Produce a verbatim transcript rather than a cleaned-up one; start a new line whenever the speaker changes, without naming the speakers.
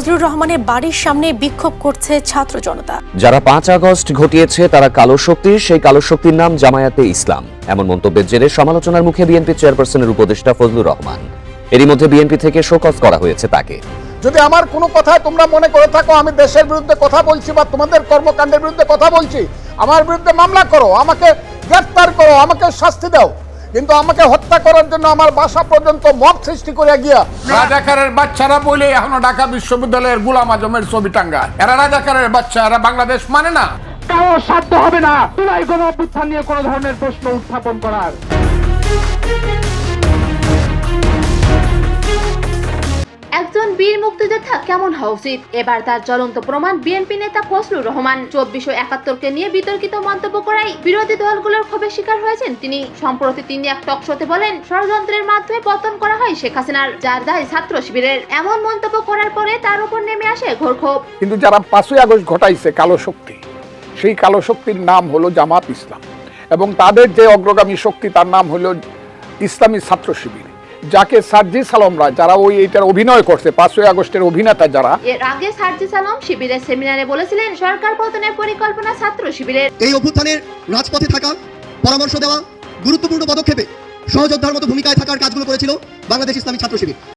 ফজলুর রহমানের বাড়ির সামনে বিক্ষোভ করছে ছাত্র জনতা।
যারা পাঁচ আগস্ট ঘটিয়েছে তারা কালো শক্তি, সেই কালো শক্তির নাম জামায়াতে ইসলাম। এমন মন্তব্যের জেরে সমালোচনার মুখে বিএনপি চেয়ারপারসনের উপদেষ্টা ফজলুর রহমান। এরই মধ্যে বিএনপি থেকে শোকজ করা হয়েছে তাকে।
যদি আমার কোনো কথায় তোমরা মনে করে থাকো আমি দেশের বিরুদ্ধে কথা বলছি বা তোমাদের কর্মকাণ্ডের বিরুদ্ধে কথা বলছি, আমার বিরুদ্ধে মামলা করো, আমাকে গ্রেফতার করো, আমাকে শাস্তি দাও, কিন্তু আমাকে হত্যা করার জন্য আমার বাসা পর্যন্ত মব সৃষ্টি করে গিয়া রাজাকারের বাচ্চারা বলে এখনো ঢাকা বিশ্ববিদ্যালয়ের গোলাম আজমের ছবি টাঙ্গা। এরা রাজাকারের বাচ্চা, এরা বাংলাদেশ মানে না।
কারো সাধ্য হবে না জুলাই গণ অভ্যুত্থান নিয়ে কোনো ধরনের প্রশ্ন উত্থাপন করার।
একজন বীর মুক্তিযোদ্ধা কেমন হওয়া উচিত, এবার তার জ্বলন্ত প্রমাণ বিএনপি নেতা ফজলুর রহমান। চব্বিশশো একাত্তরকে নিয়ে বিতর্কিত মন্তব্য করাই বিরোধী দলগুলোর ক্ষোভের শিকার হয়েছেন তিনি। সম্প্রতি তিনি এক টক শোতে বলেন, ষড়যন্ত্রের মাধ্যমে পতন করা হয় শেখ হাসিনার, যার দায় ছাত্র শিবিরের। এমন মন্তব্য করার পরে তার উপর নেমে আসে ঘোর ক্ষোভ।
কিন্তু যারা পাঁচই আগস্ট ঘটাইছে কালো শক্তি, সেই কালো শক্তির নাম হলো জামাত ইসলাম, এবং তাদের যে অগ্রগামী শক্তি তার নাম হলো ইসলামী ছাত্র শিবির, যাকে সার্জিস আলমরা যারা ওই এটার অভিনয় করছে, পাঁচই আগস্টের অভিনেতা যারা।
এর আগে সার্জিস আলম শিবিরের সেমিনারে বলেছিলেন সরকার পতনের পরিকল্পনা ছাত্র শিবিরের।
এই অভ্যুত্থানের রাজপথে থাকা, পরামর্শ দেওয়া, গুরুত্বপূর্ণ পদক্ষেপে সহযোদ্ধার মতো ভূমিকায় থাকার কাজগুলো করেছিল বাংলাদেশ ইসলামী ছাত্র শিবির।